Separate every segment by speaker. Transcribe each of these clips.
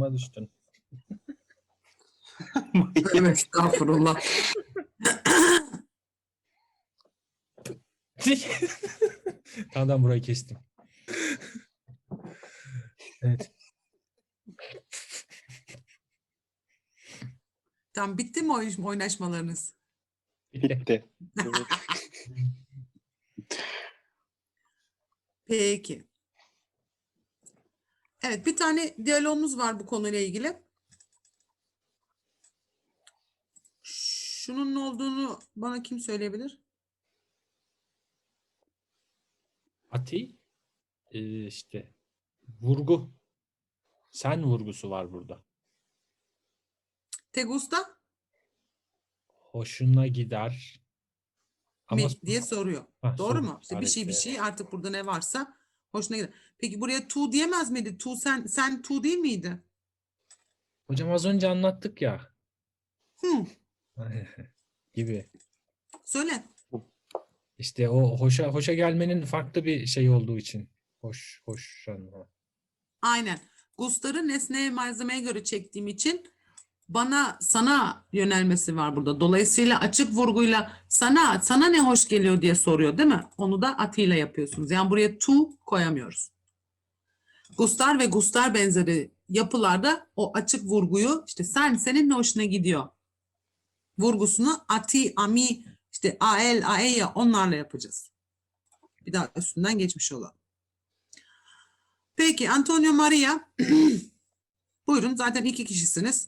Speaker 1: duruma düştün.
Speaker 2: Tövbe estağfurullah.
Speaker 1: Tamam burayı kestim. Evet.
Speaker 2: Tamam, bitti mi oynaşmalarınız?
Speaker 3: Bitti.
Speaker 2: Peki. Evet, bir tane diyalogumuz var bu konuyla ilgili. Şunun ne olduğunu bana kim söyleyebilir?
Speaker 1: Ati işte vurgu. Sen vurgusu var burada.
Speaker 2: Te gusta
Speaker 1: Hoşuna gider. Ama
Speaker 2: mi diye soruyor.
Speaker 1: Ha,
Speaker 2: Doğru
Speaker 1: soru
Speaker 2: mu? İşte bir
Speaker 1: işareti.
Speaker 2: şey artık burada ne varsa hoşuna gider. Peki buraya tu diyemez miydi? Tu sen tu değil miydi?
Speaker 1: Hocam az önce anlattık ya.
Speaker 2: Hı,
Speaker 1: Gibi.
Speaker 2: söyle.
Speaker 1: İşte o hoşa gelmenin farklı bir şey olduğu için. Hoşlanma.
Speaker 2: Aynen. Gustar'ı nesneye, malzemeye göre çektiğim için sana yönelmesi var burada. Dolayısıyla açık vurguyla sana ne hoş geliyor diye soruyor, değil mi? Onu da atıyla yapıyorsunuz. Yani buraya tu koyamıyoruz. Gustar ve Gustar benzeri yapılarda o açık vurguyu işte senin ne hoşuna gidiyor vurgusunu ati, ami, işte ael, aeya onlarla yapacağız. Bir daha üstünden geçmiş olalım. Peki Antonio Maria buyurun, zaten 2 kişisiniz.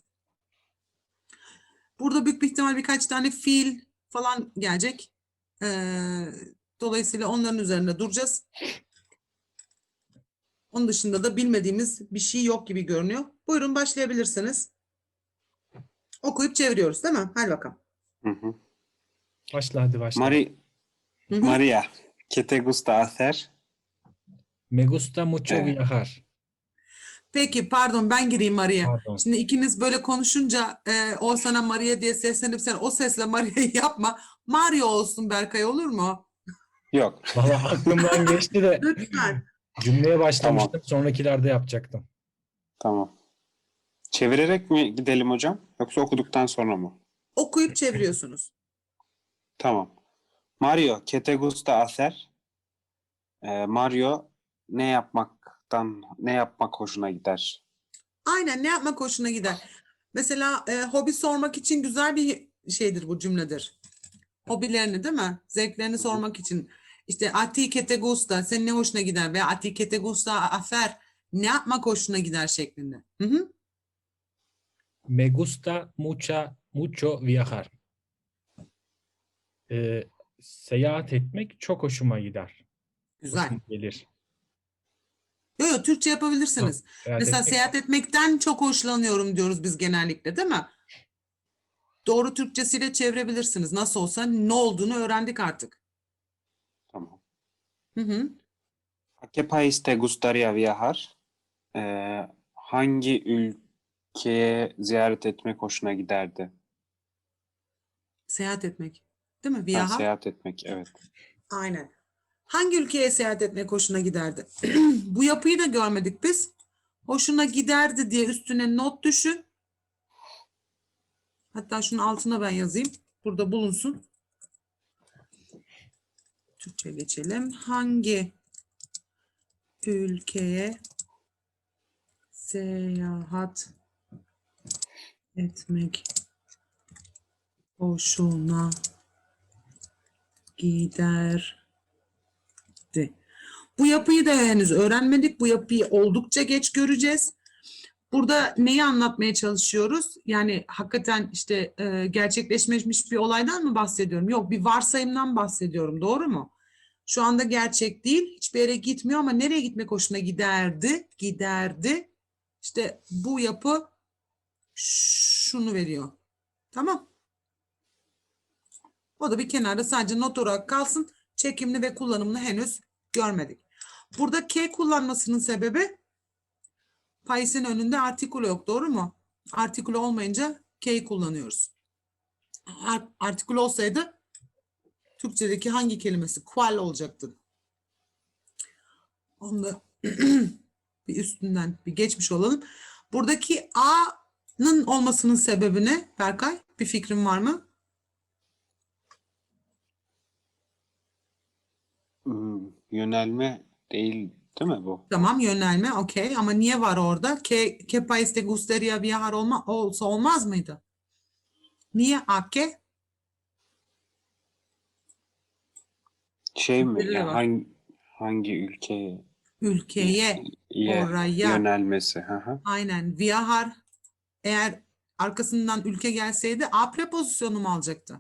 Speaker 2: Burada büyük bir ihtimal birkaç tane fiil falan gelecek. Dolayısıyla onların üzerinde duracağız. Onun dışında da bilmediğimiz bir şey yok gibi görünüyor. Buyurun başlayabilirsiniz. Okuyup çeviriyoruz değil mi? Hadi bakalım.
Speaker 3: Hı hı.
Speaker 1: Başla hadi başla.
Speaker 2: Hı hı.
Speaker 3: Maria, ¿qué te gusta hacer?
Speaker 1: Me gusta mucho
Speaker 3: Evet.
Speaker 1: viajar.
Speaker 2: Peki pardon, ben gireyim Maria.
Speaker 1: Pardon.
Speaker 2: Şimdi ikiniz böyle konuşunca o sana Maria diye seslenip sen o sesle Maria'yı yapma. Mario olsun Berkay, olur mu?
Speaker 3: Yok.
Speaker 1: Valla aklımdan geçti de
Speaker 2: Lütfen.
Speaker 1: cümleye başlamıştım. Sonrakilerde yapacaktım.
Speaker 3: Tamam. Çevirerek mi gidelim hocam? Yoksa okuduktan sonra mı?
Speaker 2: Okuyup çeviriyorsunuz.
Speaker 3: Tamam. Mario, ¿qué te gusta hacer? Mario, ne yapmak hoşuna gider?
Speaker 2: Aynen, ne yapmak hoşuna gider. Mesela hobi sormak için güzel bir şeydir bu cümledir. Hobilerini, değil mi? Zevklerini sormak için. İşte a ti que te gusta, senin ne hoşuna gider veya a ti que te gusta hacer, ne yapmak hoşuna gider şeklinde. Hı hı.
Speaker 1: Me gusta mucho viajar. Seyahat etmek çok hoşuma gider.
Speaker 2: Güzel.
Speaker 1: Hoşuma gelir.
Speaker 2: Yok, Türkçe yapabilirsiniz. Mesela seyahat etmekten çok hoşlanıyorum diyoruz biz genellikle, değil mi? Doğru Türkçesiyle çevirebilirsiniz. Nasıl olsa ne olduğunu öğrendik artık.
Speaker 3: Tamam.
Speaker 2: Hı hı.
Speaker 3: ¿A qué país te gustaría viajar? Hangi ülkeye ziyaret etmek hoşuna giderdi?
Speaker 2: Seyahat etmek. Değil mi?
Speaker 3: Ha,
Speaker 2: Viajar.
Speaker 3: seyahat etmek, evet.
Speaker 2: Aynen. Hangi ülkeye seyahat etmek hoşuna giderdi? Bu yapıyı da görmedik biz. Hoşuna giderdi diye üstüne not düşün. Hatta şunun altına ben yazayım. Burada bulunsun. Türkçe geçelim. Hangi ülkeye seyahat etmek hoşuna giderdi? Bu yapıyı da henüz öğrenmedik. Bu yapıyı oldukça geç göreceğiz. Burada neyi anlatmaya çalışıyoruz? Yani hakikaten işte gerçekleşmiş bir olaydan mı bahsediyorum? Yok, bir varsayımdan bahsediyorum. Doğru mu? Şu anda gerçek değil. Hiçbir yere gitmiyor ama nereye gitmek hoşuna giderdi? Giderdi. İşte bu yapı şunu veriyor. Tamam. O da bir kenarda sadece not olarak kalsın. Çekimini ve kullanımını henüz görmedik. Burada K kullanmasının sebebi país'in önünde artikülo yok. Doğru mu? Artikülo olmayınca K'yi kullanıyoruz. Artikülo olsaydı Türkçedeki hangi kelimesi? Kual olacaktı. Onu da bir üstünden bir geçmiş olalım. Buradaki A'nın olmasının sebebi ne Berkay? Bir fikrin var mı?
Speaker 3: Yönelme değil mi bu?
Speaker 2: Tamam, yönelme okey ama niye var orada? Que país te gustaría viajar olsa olmaz mıydı? Niye a qué?
Speaker 3: Şey mi?
Speaker 2: Belirli
Speaker 3: Yani
Speaker 2: var.
Speaker 3: hangi ülkeye
Speaker 2: Ülkeye, oraya.
Speaker 3: yönelmesi? Hı hı.
Speaker 2: Aynen. Viajar eğer arkasından ülke gelseydi a prepozisyonu mu alacaktı?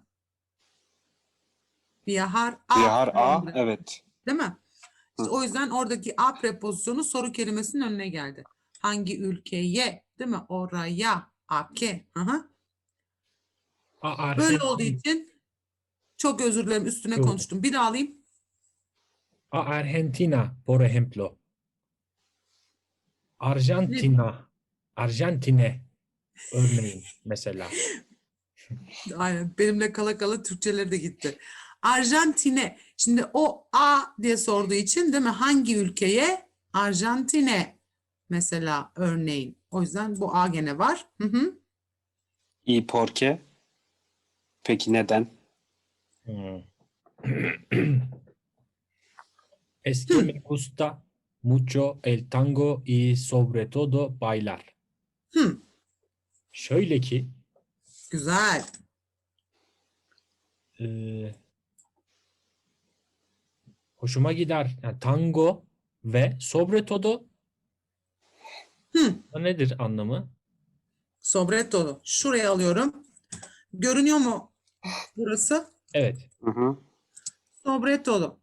Speaker 2: Viajar
Speaker 3: Vihar A,
Speaker 2: oldu,
Speaker 3: evet.
Speaker 2: değil mi? İşte
Speaker 3: Hı.
Speaker 2: o yüzden oradaki a prepozisyonu soru kelimesinin önüne geldi. Hangi ülkeye, değil mi? Oraya, a que. Aha. Böyle olduğu için çok özür dilerim üstüne konuştum. Bir daha alayım.
Speaker 1: A Argentina, por ejemplo.
Speaker 2: Ne?
Speaker 1: Arjantina. Arjantine. Örneğin mesela.
Speaker 2: Aynen. Benimle kala kala Türkçeleri de gitti. Arjantine. Şimdi o A diye sorduğu için değil mi? Hangi ülkeye? Arjantine mesela örneğin. O yüzden bu A gene var. Hı hı.
Speaker 3: ¿Y por qué? Peki neden?
Speaker 1: Hmm. Es que me gusta mucho el tango y sobre todo bailar.
Speaker 2: Hı.
Speaker 1: Şöyle ki
Speaker 2: Güzel.
Speaker 1: hoşuma gider. Yani tango ve sobre todo
Speaker 2: Hı.
Speaker 1: nedir anlamı?
Speaker 2: Sobre todo. Şuraya alıyorum. Görünüyor mu burası?
Speaker 1: Evet.
Speaker 3: Hı hı.
Speaker 2: Sobre todo.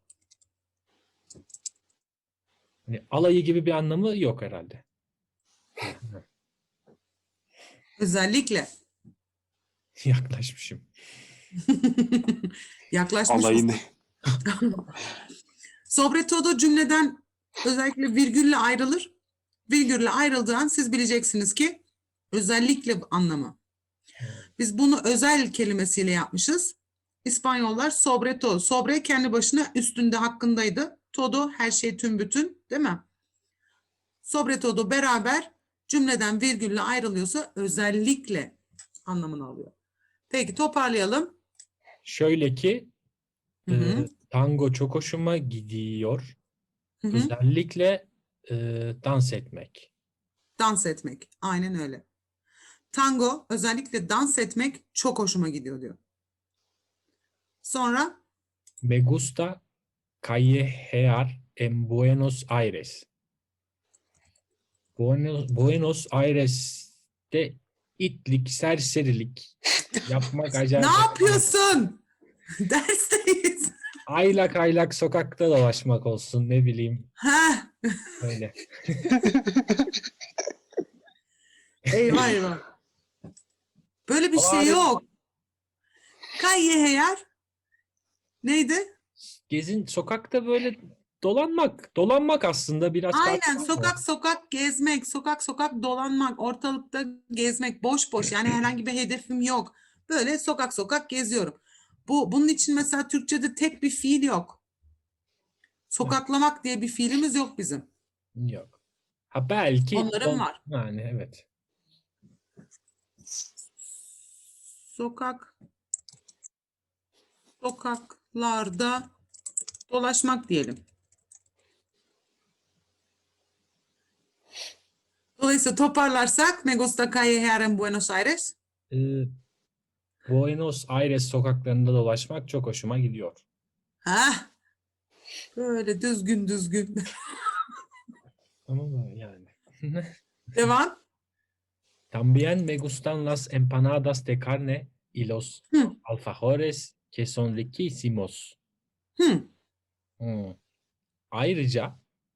Speaker 1: Hani alayı gibi bir anlamı yok herhalde.
Speaker 2: Özellikle.
Speaker 1: Yaklaşmışım.
Speaker 2: Yaklaşmış
Speaker 3: Alayını.
Speaker 2: Sobre todo cümleden özellikle virgülle ayrılır. Virgülle ayrıldığı an siz bileceksiniz ki özellikle anlamı. Biz bunu özel kelimesiyle yapmışız. İspanyollar sobre todo. Sobre kendi başına üstünde hakkındaydı. Todo her şey tüm bütün değil mi? Sobre todo beraber cümleden virgülle ayrılıyorsa özellikle anlamını alıyor. Peki toparlayalım.
Speaker 1: Şöyle ki
Speaker 2: Hı hı.
Speaker 1: tango çok hoşuma gidiyor.
Speaker 2: Hı hı.
Speaker 1: Özellikle dans etmek.
Speaker 2: Dans etmek. Aynen öyle. Tango özellikle dans etmek çok hoşuma gidiyor diyor. Sonra
Speaker 1: Me gusta callejear en Buenos Aires. Buenos Aires'te itlik, serserilik yapmak
Speaker 2: ne
Speaker 1: acayip.
Speaker 2: yapıyorsun? Dersteyiz.
Speaker 1: Aylak aylak sokakta dolaşmak olsun ne bileyim
Speaker 2: Heh,
Speaker 1: öyle.
Speaker 2: eyvah eyvah. Böyle bir
Speaker 1: Ama
Speaker 2: şey
Speaker 1: hani
Speaker 2: yok. Kayyeher neydi?
Speaker 1: sokakta böyle dolanmak aslında biraz
Speaker 2: Aynen
Speaker 1: farklı ama.
Speaker 2: sokak sokak gezmek, sokak sokak dolanmak, ortalıkta gezmek boş boş. Yani herhangi bir hedefim yok. Böyle sokak sokak geziyorum. Bunun için mesela Türkçe'de tek bir fiil yok. Sokaklamak diye bir fiilimiz yok bizim.
Speaker 1: Yok. Ha belki
Speaker 2: Onların var.
Speaker 1: yani evet.
Speaker 2: Sokaklarda dolaşmak diyelim. Dolayısıyla toparlarsak me gusta callejear en Buenos Aires.
Speaker 1: Ee, Buenos Aires sokaklarında dolaşmak çok hoşuma gidiyor.
Speaker 2: Heh, böyle düzgün düzgün.
Speaker 1: Ama yani.
Speaker 2: Devam.
Speaker 1: También me gustan las empanadas de carne y los
Speaker 2: Hı,
Speaker 1: alfajores que son riquísimos.
Speaker 2: hı.
Speaker 1: Hmm. Ayrıca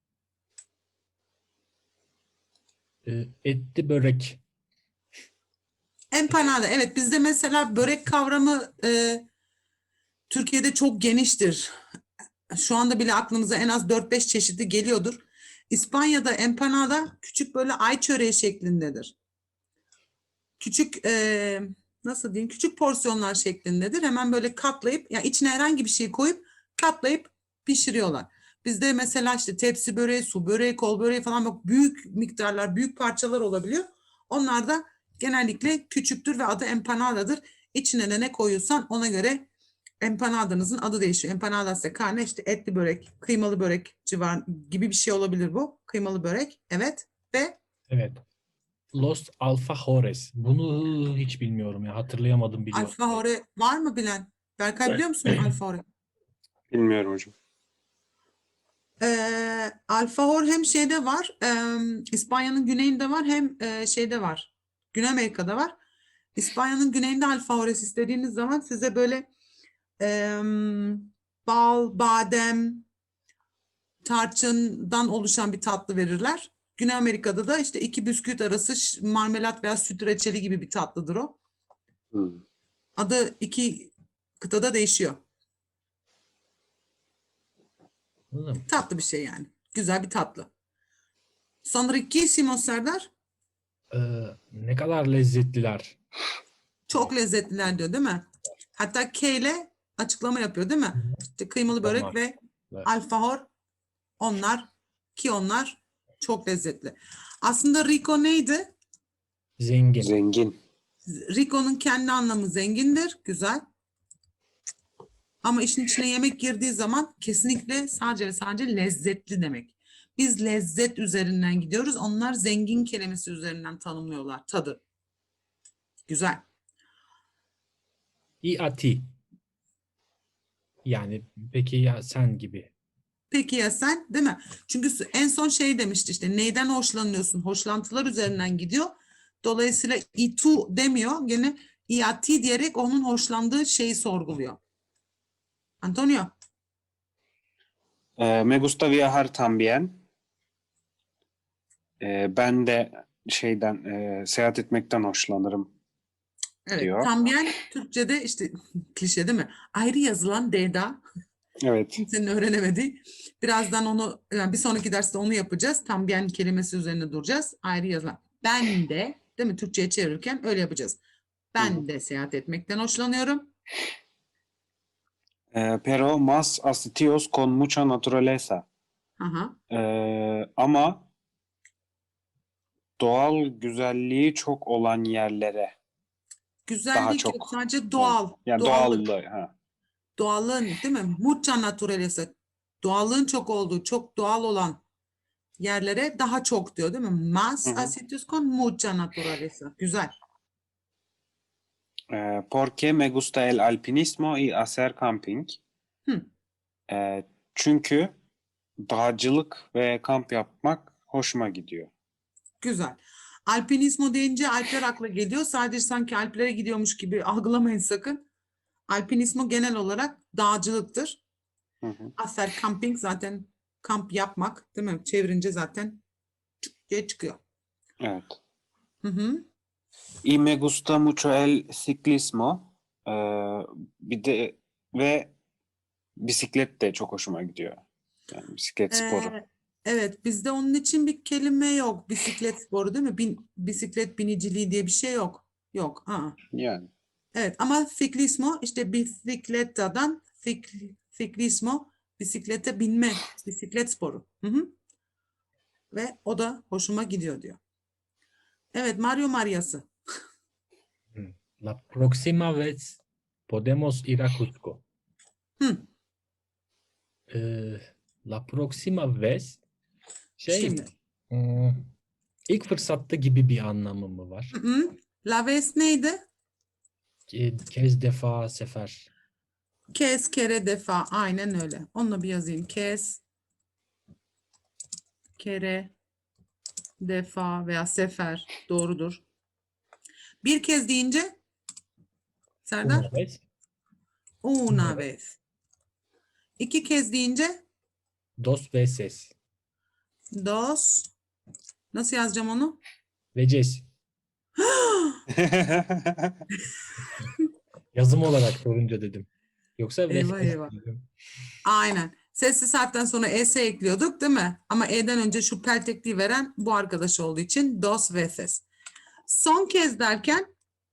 Speaker 1: etli börek.
Speaker 2: Empanada. Evet bizde mesela börek kavramı Türkiye'de çok geniştir. Şu anda bile aklımıza en az 4-5 çeşidi geliyordur. İspanya'da empanada küçük böyle ay çöreği şeklindedir. Küçük nasıl diyeyim küçük porsiyonlar şeklindedir. Hemen böyle katlayıp yani içine herhangi bir şey koyup katlayıp pişiriyorlar. Bizde mesela işte tepsi böreği, su böreği, kol böreği falan bak büyük miktarlar, büyük parçalar olabiliyor. Onlar da genellikle küçüktür ve adı empanadadır. İçine de ne koyuyorsan ona göre empanadanızın adı değişiyor. Empanadas de carne işte etli börek, kıymalı börek civar gibi bir şey olabilir bu. Kıymalı börek. Evet. Ve
Speaker 1: Evet. Los alfajores. Bunu hiç bilmiyorum ya. Hatırlayamadım biliyorum.
Speaker 2: alfajore var mı bilen? Berkay biliyor musun alfajore?
Speaker 3: Bilmiyorum hocam.
Speaker 2: Alfajor hem şeyde var, İspanya'nın güneyinde var hem şeyde var. Güney Amerika'da var. İspanya'nın güneyinde alfajores istediğiniz zaman size böyle bal, badem, tarçından oluşan bir tatlı verirler. Güney Amerika'da da işte iki bisküvit arası marmelat veya süt reçeli gibi bir tatlıdır o.
Speaker 3: Hmm.
Speaker 2: Adı iki kıtada değişiyor.
Speaker 1: Anladın mı?
Speaker 2: Tatlı bir şey yani. Güzel bir tatlı. Sonra riquísimo Serdar.
Speaker 1: Ne kadar lezzetliler.
Speaker 2: Çok lezzetliler diyor değil mi? Hatta K ile açıklama yapıyor değil mi? İşte kıymalı börek
Speaker 1: Onlar.
Speaker 2: ve
Speaker 1: Evet.
Speaker 2: alfajor onlar çok lezzetli. Aslında Rico neydi?
Speaker 1: Zengin.
Speaker 3: Zengin.
Speaker 2: Rico'nun kendi anlamı zengindir. Güzel. Ama işin içine yemek girdiği zaman kesinlikle sadece ve sadece lezzetli demek. Biz lezzet üzerinden gidiyoruz. Onlar zengin kelimesi üzerinden tanımlıyorlar tadı. Güzel.
Speaker 1: I a ti. Yani peki ya sen gibi.
Speaker 2: Peki ya sen, değil mi? Çünkü en son şey demişti işte neyden hoşlanıyorsun? Hoşlantılar üzerinden gidiyor. Dolayısıyla itu demiyor. Gene iati diyerek onun hoşlandığı şeyi sorguluyor. Antonio.
Speaker 3: Me gusta viajar también. Ben de seyahat etmekten hoşlanırım
Speaker 2: Evet.
Speaker 3: diyor.
Speaker 2: También Türkçe'de işte klişe değil mi? Ayrı yazılan D'da.
Speaker 3: Evet.
Speaker 2: Kimsenin öğrenemediği. Birazdan onu yani bir sonraki derste onu yapacağız. También kelimesi üzerine duracağız. Ayrı yazılan. Ben de değil mi? Türkçe'ye çevirirken öyle yapacağız. Ben de seyahat etmekten hoşlanıyorum.
Speaker 3: Pero más a sitios con mucha naturaleza.
Speaker 2: Aha.
Speaker 3: Ama doğal güzelliği çok olan yerlere daha
Speaker 2: Güzellik yok.
Speaker 3: çok.
Speaker 2: Sadece doğal.
Speaker 3: Yani
Speaker 2: Doğallık.
Speaker 3: doğallığı. Ha.
Speaker 2: Doğallığın değil mi? Mucha naturaleza. Doğallığın çok olduğu, çok doğal olan yerlere daha çok diyor değil mi?
Speaker 3: Hı
Speaker 2: Más
Speaker 3: hı.
Speaker 2: a sitios con mucha naturaleza. Güzel.
Speaker 3: Porque me gusta el alpinismo y hacer camping.
Speaker 2: Hı.
Speaker 3: Çünkü dağcılık ve kamp yapmak hoşuma gidiyor.
Speaker 2: Güzel. Alpinismo deyince Alpler akla geliyor. Sadece sanki Alplere gidiyormuş gibi algılamayın sakın. Alpinismo genel olarak dağcılıktır.
Speaker 3: Hı hı.
Speaker 2: Hacer camping zaten kamp yapmak değil mi? Çevirince zaten çık diye çıkıyor.
Speaker 3: Evet.
Speaker 2: Hı hı.
Speaker 3: Y me gusta mucho el ciclismo. Bir de ve bisiklet de çok hoşuma gidiyor. Yani bisiklet sporu.
Speaker 2: Evet, bizde onun için bir kelime yok. Bisiklet sporu değil mi? Bisiklet biniciliği diye bir şey yok. Yok. Aa.
Speaker 3: Yani.
Speaker 2: Evet ama ciclismo işte bisiklettadan ciclismo bisiklete binme, bisiklet sporu. Hı hı. Ve o da hoşuma gidiyor diyor. Evet, Mario Mariası.
Speaker 1: La próxima vez podemos ir a Cusco.
Speaker 2: Hı,
Speaker 1: Ee, La próxima vez şey mi?
Speaker 2: şimdi.
Speaker 1: İlk fırsatta gibi bir anlamı mı var?
Speaker 2: Hı hı. La vez neydi?
Speaker 1: Kez, defa, sefer.
Speaker 2: Kez, kere, defa. Aynen öyle. Onunla bir yazayım. Kez, kere, defa veya sefer. Doğrudur. Bir kez deyince
Speaker 1: Una
Speaker 2: Serdar?
Speaker 1: vez.
Speaker 2: Una
Speaker 1: Una vez.
Speaker 2: vez. İki kez deyince
Speaker 1: Dos veces.
Speaker 2: dos. Nasıl yazacağım onu?
Speaker 1: Veces. Yazım olarak sorunca dedim. Yoksa
Speaker 2: Eyvah
Speaker 1: veces
Speaker 2: eyvah.
Speaker 1: dedim.
Speaker 2: Aynen. Sessiz harften sonra es ekliyorduk değil mi? Ama e'den önce şu peltekliği veren bu arkadaş olduğu için dos veces. Son kez derken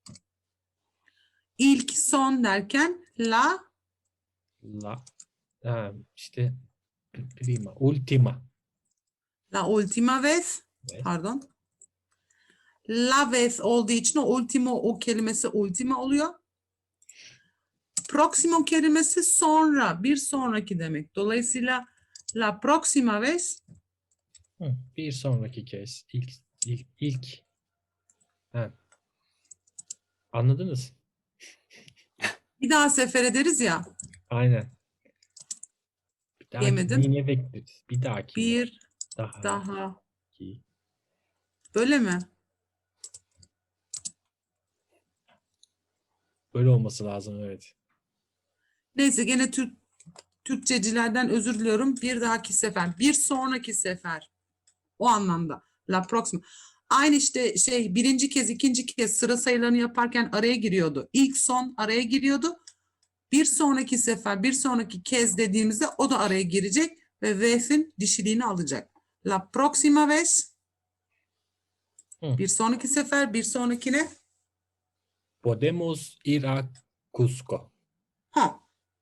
Speaker 2: ilk son derken
Speaker 1: La. İşte prima. Ultima.
Speaker 2: la última vez
Speaker 1: Vez.
Speaker 2: pardon. La vez olduğu için o ultimo, o kelimesi ultima oluyor. Próximo kelimesi sonra, bir sonraki demek. Dolayısıyla la próxima vez
Speaker 1: Bir sonraki kez. İlk. Ha, anladınız?
Speaker 2: bir daha sefer ederiz ya.
Speaker 1: Aynen. Bir dahaki
Speaker 2: Yemedim.
Speaker 1: yine bekleriz. Bir dahaki.
Speaker 2: Bir
Speaker 1: Daha.
Speaker 2: daha.
Speaker 1: Ki.
Speaker 2: Böyle mi?
Speaker 1: Böyle olması lazım, evet.
Speaker 2: Neyse gene Türkçecilerden özür diliyorum. Bir dahaki sefer. Bir sonraki sefer. O anlamda. La próxima. Aynı işte birinci kez, ikinci kez sıra sayılarını yaparken araya giriyordu. İlk son araya giriyordu. Bir sonraki sefer, bir sonraki kez dediğimizde o da araya girecek ve vez'in dişiliğini alacak. La próxima vez.
Speaker 1: Hı.
Speaker 2: Bir sonraki sefer, bir sonrakine.
Speaker 1: Podemos ir a Cusco.
Speaker 2: Ha.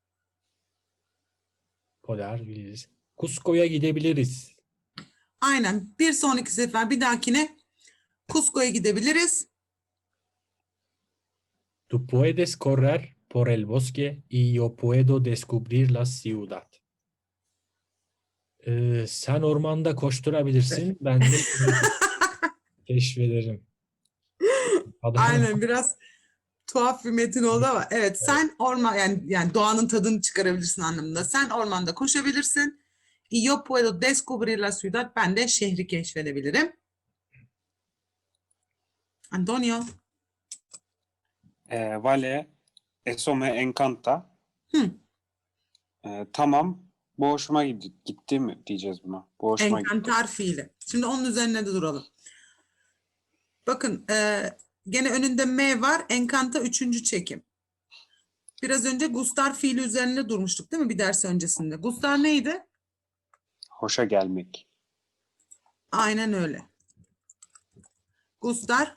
Speaker 1: Poder biliriz. Cusco'ya gidebiliriz.
Speaker 2: Aynen. Bir sonraki sefer, bir dahakine Cusco'ya gidebiliriz.
Speaker 1: Tú puedes correr por el bosque y yo puedo descubrir la ciudad. Sen ormanda koşturabilirsin. Ben de keşfederim.
Speaker 2: Aynen biraz tuhaf bir metin oldu ama evet sen orman yani doğanın tadını çıkarabilirsin anlamında. Sen ormanda koşabilirsin. Y yo puedo descubrir la ciudad. Ben de şehri keşfedebilirim. Antonio.
Speaker 3: Vale, eso me encanta.
Speaker 2: Hı.
Speaker 3: Tamam, bu hoşuma gitti mi diyeceğiz buna. Bu hoşuma gitti.
Speaker 2: Encantar fiili. Şimdi onun üzerine de duralım. Bakın gene önünde M var. Encanta üçüncü çekim. Biraz önce gustar fiili üzerinde durmuştuk değil mi bir ders öncesinde? Gustar neydi?
Speaker 3: Hoşa gelmek.
Speaker 2: Aynen öyle. Gustar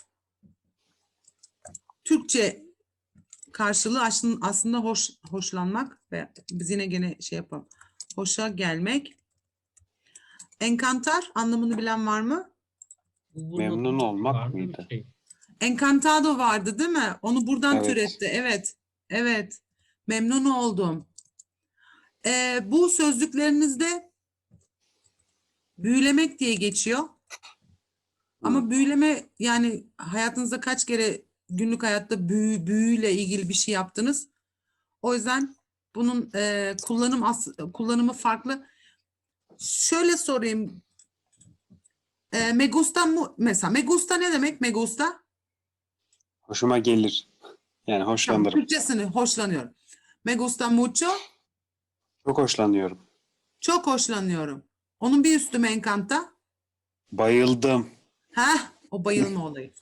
Speaker 2: Türkçe karşılığı aslında hoşlanmak ve biz yine gene yapalım. Hoşa gelmek. Encantar anlamını bilen var mı?
Speaker 3: Memnun olmak
Speaker 1: Var mı bir
Speaker 3: mıydı?
Speaker 1: şey?
Speaker 2: Encantado vardı değil mi? Onu buradan
Speaker 3: Evet.
Speaker 2: türetti. Evet. Evet. Memnun oldum. Bu sözlüklerinizde büyülemek diye geçiyor. Ama büyüleme yani hayatınızda kaç kere günlük hayatta büyüyle ilgili bir şey yaptınız? O yüzden bunun kullanımı farklı. Şöyle sorayım. Me gusta mesela me gusta ne demek me gusta?
Speaker 3: Hoşuma gelir. Yani
Speaker 2: Tamam,
Speaker 3: hoşlanırım.
Speaker 2: Türkçesini hoşlanıyorum. Me gusta mucho.
Speaker 3: Çok hoşlanıyorum.
Speaker 2: Çok hoşlanıyorum. Onun bir üstü me encanta.
Speaker 3: Bayıldım.
Speaker 2: Heh, o bayılma olayı.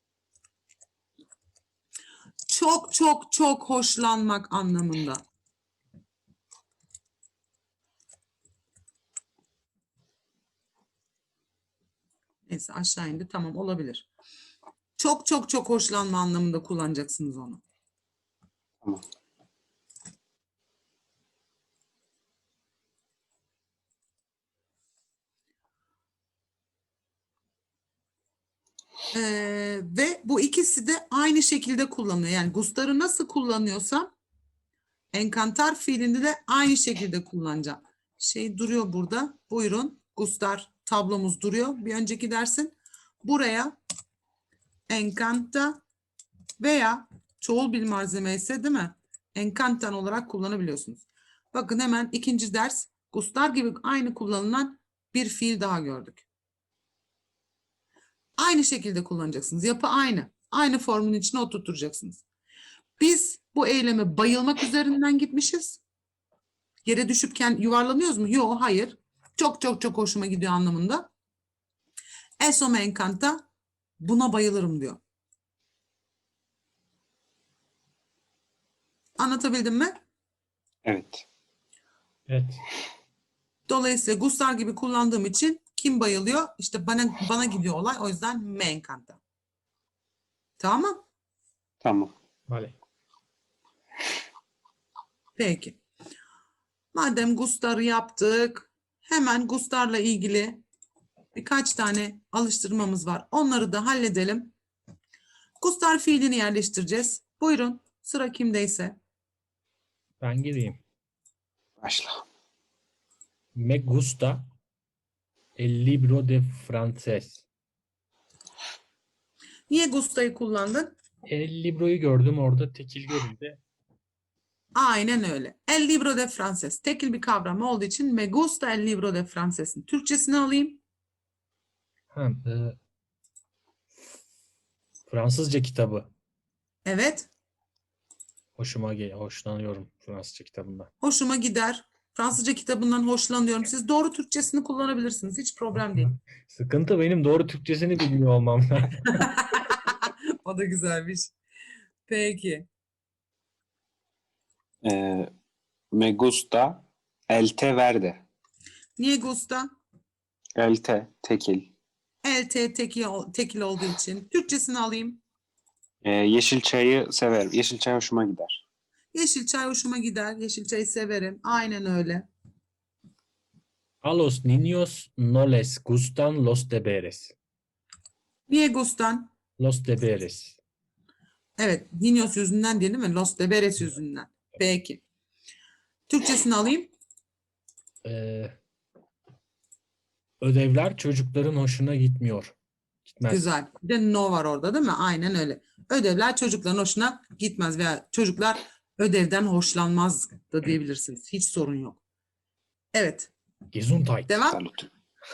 Speaker 2: Çok çok çok hoşlanmak anlamında. Neyse aşağı indi. Tamam olabilir. Çok çok çok hoşlanma anlamında kullanacaksınız onu.
Speaker 3: Tamam.
Speaker 2: Ve bu ikisi de aynı şekilde kullanılıyor. Yani gustar'ı nasıl kullanıyorsam encantar fiilinde de aynı şekilde kullanacağım. Duruyor burada. Buyurun. Gustar tablomuz duruyor. Bir önceki dersin. Buraya encanta veya çoğul bir malzeme ise değil mi? Encantan olarak kullanabiliyorsunuz. Bakın hemen ikinci ders gustar gibi aynı kullanılan bir fiil daha gördük. Aynı şekilde kullanacaksınız. Yapı aynı. Aynı formun içine oturtacaksınız. Biz bu eyleme bayılmak üzerinden gitmişiz. Yere düşüpken yuvarlanıyoruz mu? Yok, hayır. Çok çok çok hoşuma gidiyor anlamında. Eso me encanta. Buna bayılırım diyor. Anlatabildim mi?
Speaker 3: Evet.
Speaker 1: Evet.
Speaker 2: Dolayısıyla gustar gibi kullandığım için kim bayılıyor? İşte bana gidiyor olay. O yüzden me encanta. Tamam mı?
Speaker 3: Tamam.
Speaker 1: Vale.
Speaker 2: Peki. Madem gustar'ı yaptık, hemen gustar'la ilgili birkaç tane alıştırmamız var. Onları da halledelim. Gustar fiilini yerleştireceğiz. Buyurun. Sıra kimdeyse.
Speaker 1: Ben gireyim.
Speaker 3: Başla.
Speaker 1: Me gusta el libro de francés.
Speaker 2: Niye gusta'yı kullandın?
Speaker 1: El libroyu gördüm orada tekil görünce.
Speaker 2: Aynen öyle. El libro de francés. Tekil bir kavram olduğu için me gusta el libro de francés'in Türkçesini alayım.
Speaker 1: Ha, Fransızca kitabı.
Speaker 2: Evet.
Speaker 1: Hoşlanıyorum Fransızca kitabından.
Speaker 2: Hoşuma gider. Fransızca kitabından hoşlanıyorum. Siz doğru Türkçesini kullanabilirsiniz. Hiç problem değil.
Speaker 1: Sıkıntı benim doğru Türkçesini bilmiyor olmam.
Speaker 2: O da güzelmiş. Peki.
Speaker 3: Me gusta el té verde.
Speaker 2: Niye gusta?
Speaker 3: El té tekil.
Speaker 2: El tekil olduğu için. Türkçesini alayım.
Speaker 3: Yeşil çayı severim. Yeşil çay hoşuma gider.
Speaker 2: Yeşil çay hoşuma gider. Yeşil çayı severim. Aynen öyle.
Speaker 1: A los niños no les gustan los deberes.
Speaker 2: Niye gustan?
Speaker 1: Los deberes.
Speaker 2: Evet. Niños yüzünden değil mi? Los deberes yüzünden. Peki. Türkçesini alayım.
Speaker 1: Ee, Ödevler çocukların hoşuna gitmiyor. Gitmez.
Speaker 2: Güzel. Bir de no var orada değil mi? Aynen öyle. Ödevler çocukların hoşuna gitmez veya çocuklar ödevden hoşlanmaz da diyebilirsiniz. Hiç sorun yok. Evet.
Speaker 1: Gesundheit.
Speaker 2: Devam.
Speaker 3: Salut.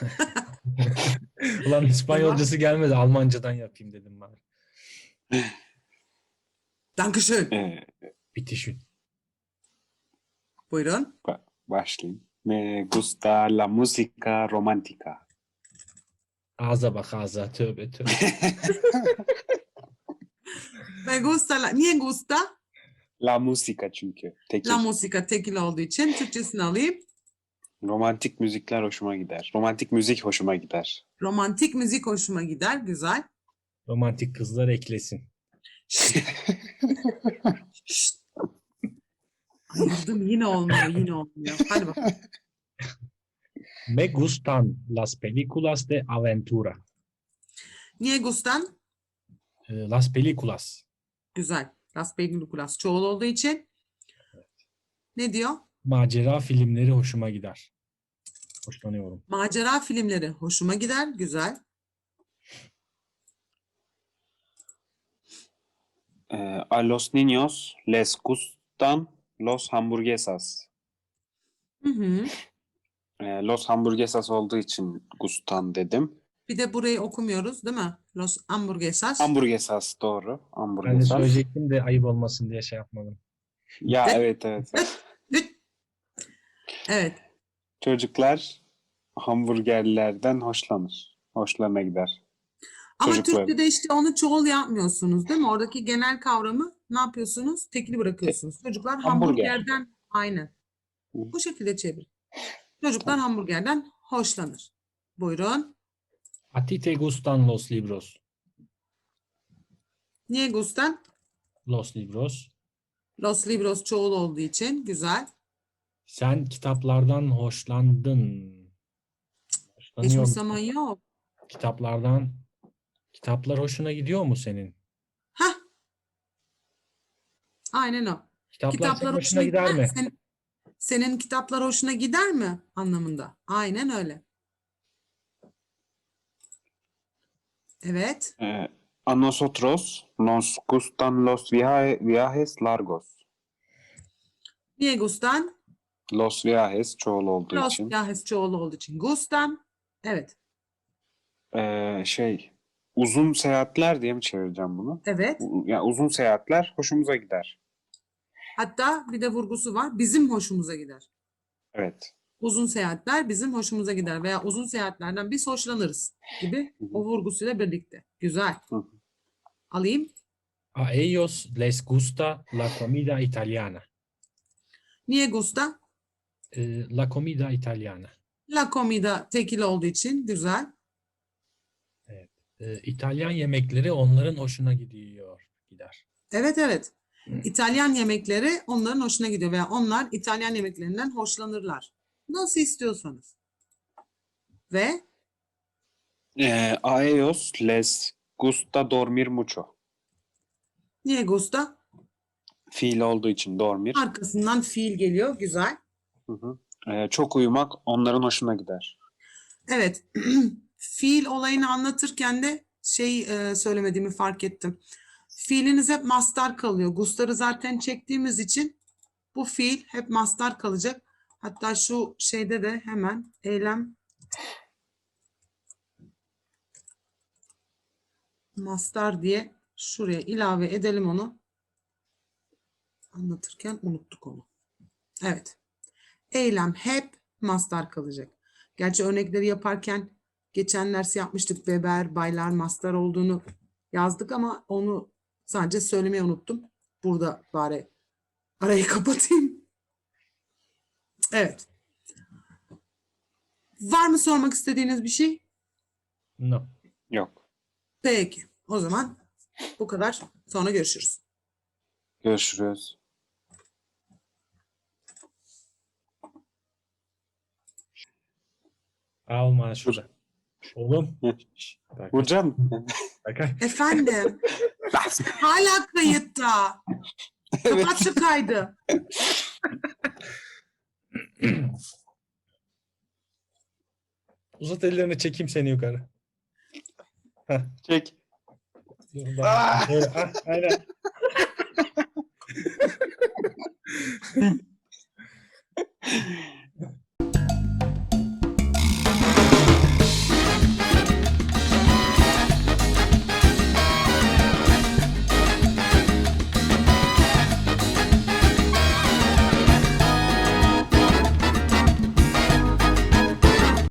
Speaker 1: Ulan İspanyolcası gelmedi. Almancadan yapayım dedim ben.
Speaker 2: Dankeschön.
Speaker 1: Bitişün.
Speaker 2: Buyurun.
Speaker 3: Başlayayım. Me gusta la música romántica.
Speaker 1: Ağza bak ağza. Tövbe tövbe.
Speaker 2: Me gusta niye gusta?
Speaker 3: La música çünkü. Tekil.
Speaker 2: La música tekil olduğu için Türkçesini alayım.
Speaker 3: Romantik müzikler hoşuma gider. Romantik müzik hoşuma gider.
Speaker 2: Romantik müzik hoşuma gider. Güzel.
Speaker 1: Romantik kızlar eklesin.
Speaker 2: Şşt. Ayırdım. Yine olmuyor. Hadi bakalım.
Speaker 1: Me gustan las películas de aventura.
Speaker 2: Niye gustan?
Speaker 1: Las películas.
Speaker 2: Güzel. Las películas çoğul olduğu için. Ne diyor?
Speaker 1: Macera filmleri hoşuma gider. Hoşlanıyorum.
Speaker 2: Macera filmleri hoşuma gider. Güzel.
Speaker 3: A los niños les gustan los hamburguesas.
Speaker 2: Hı hı.
Speaker 3: Los hamburguesas olduğu için gustan dedim.
Speaker 2: Bir de burayı okumuyoruz değil mi? Los hamburguesas.
Speaker 3: Hamburguesas doğru.
Speaker 1: Ben de
Speaker 3: Hamburguesas.
Speaker 1: söyleyecektim de ayıp olmasın diye şey yapmadım.
Speaker 3: Ya evet.
Speaker 2: Evet.
Speaker 3: Çocuklar hamburgerlerden hoşlanır. Hoşlarına gider.
Speaker 2: Ama
Speaker 3: Çocuklar.
Speaker 2: Türkçe'de işte onu çoğul yapmıyorsunuz değil mi? Oradaki genel kavramı ne yapıyorsunuz? Tekli bırakıyorsunuz. Çocuklar
Speaker 3: Hamburger.
Speaker 2: hamburgerden aynen. Bu şekilde çevir. Çocuklar hamburgerden hoşlanır. Buyurun.
Speaker 1: A ti te gustan los libros.
Speaker 2: Niye gustan?
Speaker 1: Los libros.
Speaker 2: Los libros çoğul olduğu için. Güzel.
Speaker 1: Sen kitaplardan hoşlandın. Hoşlanıyor
Speaker 2: Geçmiş
Speaker 1: musun?
Speaker 2: zaman yok.
Speaker 1: Kitaplar hoşuna gidiyor mu senin?
Speaker 2: Hah. Aynen o.
Speaker 1: Kitaplar senin hoşuna gider mi?
Speaker 2: Senin kitaplar hoşuna gider mi anlamında? Aynen öyle. Evet.
Speaker 3: A nosotros nos gustan los viajes largos.
Speaker 2: Niye gustan?
Speaker 3: Los viajes çoğul olduğu
Speaker 2: Los
Speaker 3: için.
Speaker 2: viajes çoğul olduğu için. Gustan. Evet.
Speaker 3: Uzun seyahatler diye mi çevireceğim bunu?
Speaker 2: Evet.
Speaker 3: Yani uzun seyahatler hoşumuza gider.
Speaker 2: Hatta bir de vurgusu var. Bizim hoşumuza gider.
Speaker 3: Evet.
Speaker 2: Uzun seyahatler bizim hoşumuza gider veya uzun seyahatlerden biz hoşlanırız gibi o vurgusuyla birlikte. Güzel.
Speaker 3: Hı.
Speaker 2: Alayım.
Speaker 1: A ellos les gusta la comida italiana.
Speaker 2: Niye gusta?
Speaker 1: La comida italiana.
Speaker 2: La comida tekil olduğu için güzel.
Speaker 1: İtalyan yemekleri onların hoşuna gider.
Speaker 2: Evet evet. İtalyan yemekleri onların hoşuna gidiyor veya onlar İtalyan yemeklerinden hoşlanırlar. Nasıl istiyorsanız. Ve.
Speaker 3: A ellos les gusta dormir mucho.
Speaker 2: Niye gusta?
Speaker 3: Fiil olduğu için dormir.
Speaker 2: Arkasından fiil geliyor. Güzel.
Speaker 3: Hı hı. Çok uyumak onların hoşuna gider.
Speaker 2: Evet. Fiil olayını anlatırken de söylemediğimi fark ettim. Fiiliniz hep mastar kalıyor. Gustar'ı zaten çektiğimiz için bu fiil hep mastar kalacak. Hatta şu şeyde de hemen eylem mastar diye şuraya ilave edelim onu. Anlatırken unuttuk onu. Evet. Eylem hep mastar kalacak. Gerçi örnekleri yaparken geçen ders yapmıştık. Weber, baylar, mastar olduğunu yazdık ama onu sadece söylemeyi unuttum. Burada bari arayı kapatayım. Evet. Var mı sormak istediğiniz bir şey?
Speaker 1: No.
Speaker 3: Yok.
Speaker 2: Peki. O zaman bu kadar. Sonra görüşürüz.
Speaker 3: Görüşürüz.
Speaker 1: Alma şurada. Oğlum.
Speaker 3: Hı.
Speaker 1: Şş, Berkay,
Speaker 3: Burcan.
Speaker 1: Berkay.
Speaker 2: Efendim. Hala kayıtta. Kapat şu kaydı.
Speaker 1: Uzat ellerini, çekeyim seni yukarı.
Speaker 3: Çek.
Speaker 1: Dur, bak. Böyle, aynen.